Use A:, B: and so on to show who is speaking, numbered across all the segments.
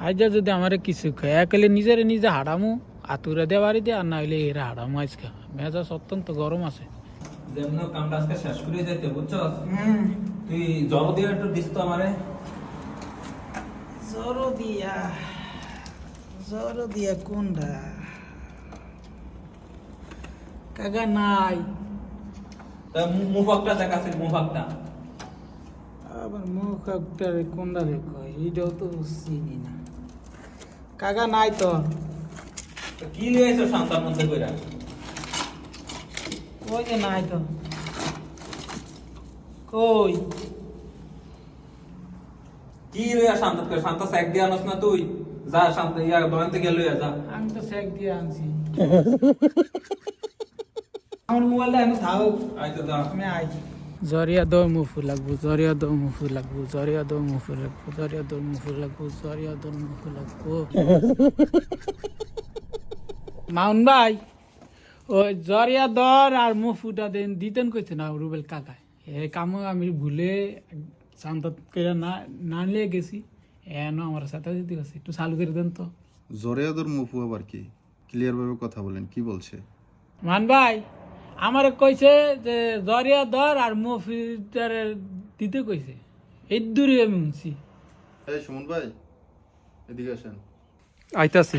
A: আইজা যদি আমারে কিছু খায় একালে নিজের নিজে হারামু আতুরে দিয়ে বাড়ি দিয়ে আর না হইলে এরা হারামু আজকে মেজাজ অত্যন্ত গরম আছে।
B: যেমন কামটা আজকে শেষ করে যাইতে বুঝছস। তুই জল দিয়ে একটু দিস তো আমারে।
A: জড় দিয়া কোনটা কাগা নাই
B: তা মুফাকটা দেখাছে মুফাকটা।
A: আবার মুখ একটা কোনটা দেখো এইটাও তো চিনি না কাগা নাই তো।
B: তো কি লিয়ে আইছো শান্তার মধ্যে কইরা?
A: কই যে নাই তো কই
B: কি লইয়া শান্ত করে শান্ত স্যাক দিয়ে আনস না তুই? যা শান্ত ইয়া দোকান থেকে লইয়া যা।
A: আমি তো চেক দিয়ে আনছি আমার মোবাইলটা এখন থাও
B: আইতো যা।
A: আমি আই জরিয়া দো মুফু লাগবো জরিয়া দো মুফু লাগবো জরিয়া দো মুফু লাগবো জরিয়া দো মুফু লাগবো জরিয়া দো মুফু লাগবো মাউন ভাই ওই জরিয়া দর আর মুফুটা দেন দিতেন কইছে না রুবেল কাকা এ কাম আমি ভুলে শান্ত করে না নিয়ে গেছি এন আমার সাথে দিতে গেছি একটু চালু করে দেন তো।
C: জরিয়াদর মুফু আবার কি? ক্লিয়ার ভাবে কথা বলেন, কি বলছে?
A: মান ভাই আমারে কইছে যে জরিয়া দর আর মুফিটার দিতে কইছে এই দূরে আমি শুনছি।
C: এই সুমন ভাই, এদিকে আসেন।
D: আইতাছি।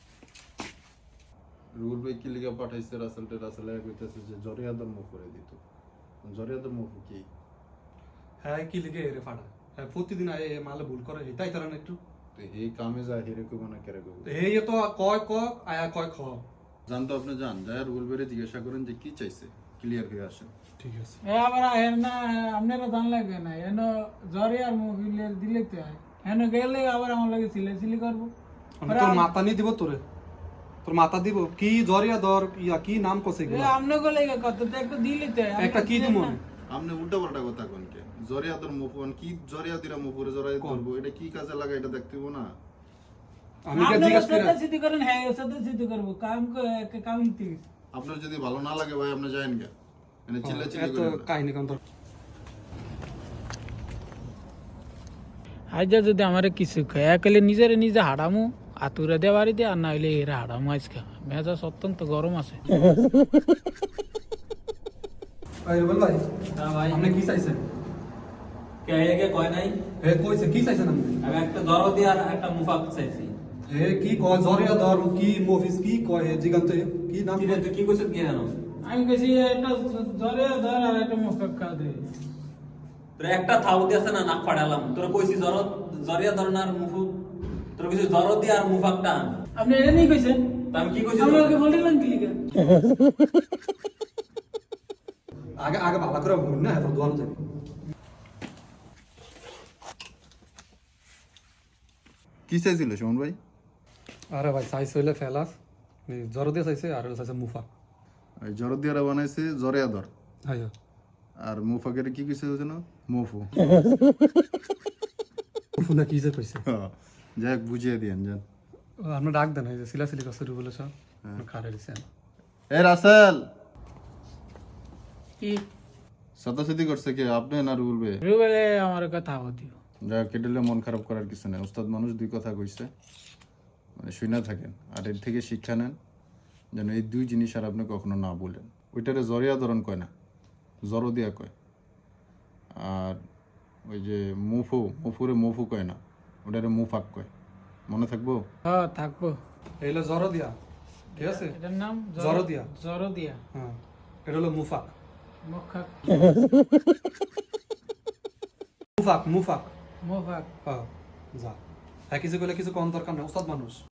C: রুল ভাই কি লিখে পাঠাইছে রাসেল কইতেছে যে জরিয়াদর মুফু করে দিত। জরিয়াদর মুফু কি?
D: হ্যাঁ কি লিখে এরে ফাড়া হ্যাঁ প্রতিদিন আয় মালে ভুল করে তাই তারা একটু
C: তো এই কামে যায় হিরে কইব না কেরে কইব?
D: এই তো কয় ক আয়া কয় খ।
C: জানতো আপনি যান যায় রুল ভাইরে জিজ্ঞাসা করেন যে কি চাইছে, ক্লিয়ার হয়ে আসেন।
D: ঠিক আছে।
A: এ আবার হেন না আপনারা জান লাগবে না এন জরিয়া আর মুফিলের দিলে তো হয় হেন গেলে আবার আমার লাগে সিলি করবো
D: আমি তোর মাথা নি দিব তোরে তোর মাথা দিব কি জরিয়া দর ইয়া কি নাম কসে গেল
A: আপনি গলে কত তো একটা দিলে তো
D: একটা কি দিমু
C: আপনি উল্টা পাল্টা কথা কোন কে? জরিয়াদর মুফু কি জরিয়াদিরা মুফুরে জরাই করব, এটা কি কাজে লাগা এটা দেখতে হইব না?
D: আমি কে জিজ্ঞাসা করে
A: সিদ্ধি করেন হ্যাঁ সাথে সিদ্ধি করবো কাম হিতে
C: আপনার যদি ভালো না লাগে ভাই আপনি যায়েন গে, মানে চিল্লাচিল্লি
D: এত
C: করেন না।
D: কাহিনী কোন তোর
A: আইজা যদি আমারে কিছু খায় একালে নিজের নিজে হারামু আতুরে দিয়ে বাড়ি দিয়ে আর না হইলে এরা হারামু আজকে মেজাজ অত্যন্ত গরম আছে।
D: এই বল ভাই
B: হ্যাঁ ভাই।
D: আপনি কি চাইছেন?
B: কে আগে কয় নাই?
D: হে কইছে কি চাইছেন আপনি?
B: আমি একটা জল দিয়ে আর একটা মুফাক চাইছি।
D: হে কি কয় জরিয়া দর কি মফিস কি কয় হে জিগান্তে কি নাম
B: কি রে তুই কি কইছিস কি জানো?
A: আমি গেছি একটা জরিয়া ধর আর একটা মুখা দে
B: তোর একটা থাউ দিয়ে আছে না নাক ফাড়ালাম। তোর কইছি জরিয়া ধরনার মুফু তোর কইছি জর দিয়ে আর মুফাকটা আন।
A: আপনি এটা নিয়ে কইছেন
B: তা আমি কি কইছি?
A: আমি ওকে বললাম কি লিখে
D: আগে আগে ভালো করে বল না এত দোয়ানো যাবে।
C: কি চাইছিল সুমন ভাই?
D: আরে ভাই চাইছে হইলে ফেলাস জ্বর দিয়ে চাইছে আর চাইছে মুফা।
C: ওই জরদিয়ারা বানাইছে জরিয়াদর
D: হ্যাঁ
C: আর মুফাকের কি কইছে যেন মুফু।
D: মুফু না কি যে কইছে
C: যাই হোক বুঝিয়ে দিয়েন যান।
D: আপনি ডাক দেন এই যে সিলাসিলি কসুরি বলে সব খারে দিছেন।
C: এ রাসেল,
A: কি
C: সাদাসিদি করছে কি আপনি না রুল ভাই?
A: রুবেলে আমার কথা হতিও
C: যাই হোক কেটেলে মন খারাপ করার কিছু নেই, উস্তাদ মানুষ দুই কথা কইছে মানে শুনে থাকেন আর এর থেকে শিক্ষা নেন যেন এই দুই জিনিস আর আপনি কখনো না বলেন। ওইটারে জরিয়া ধরন কয় না, জরো দিয়া কয়। আর ওই যে মুফুরে মুফু কয় না, ওটারে মুফাক কয়। মনে থাকবো?
A: হ্যাঁ থাকবো।
D: এইলো জ্বর দিয়া ঠিক আছে
A: এটার নাম
D: জরদিয়া।
A: জরদিয়া
D: হ্যাঁ এটা হলো মুফাক
A: মুখা
D: মুফাক মুফাক
A: মুফাক
D: হ্যাঁ যা হ্যাঁ কিছু কইলে কিছু কোন দরকার না উস্তাদ মানুষ।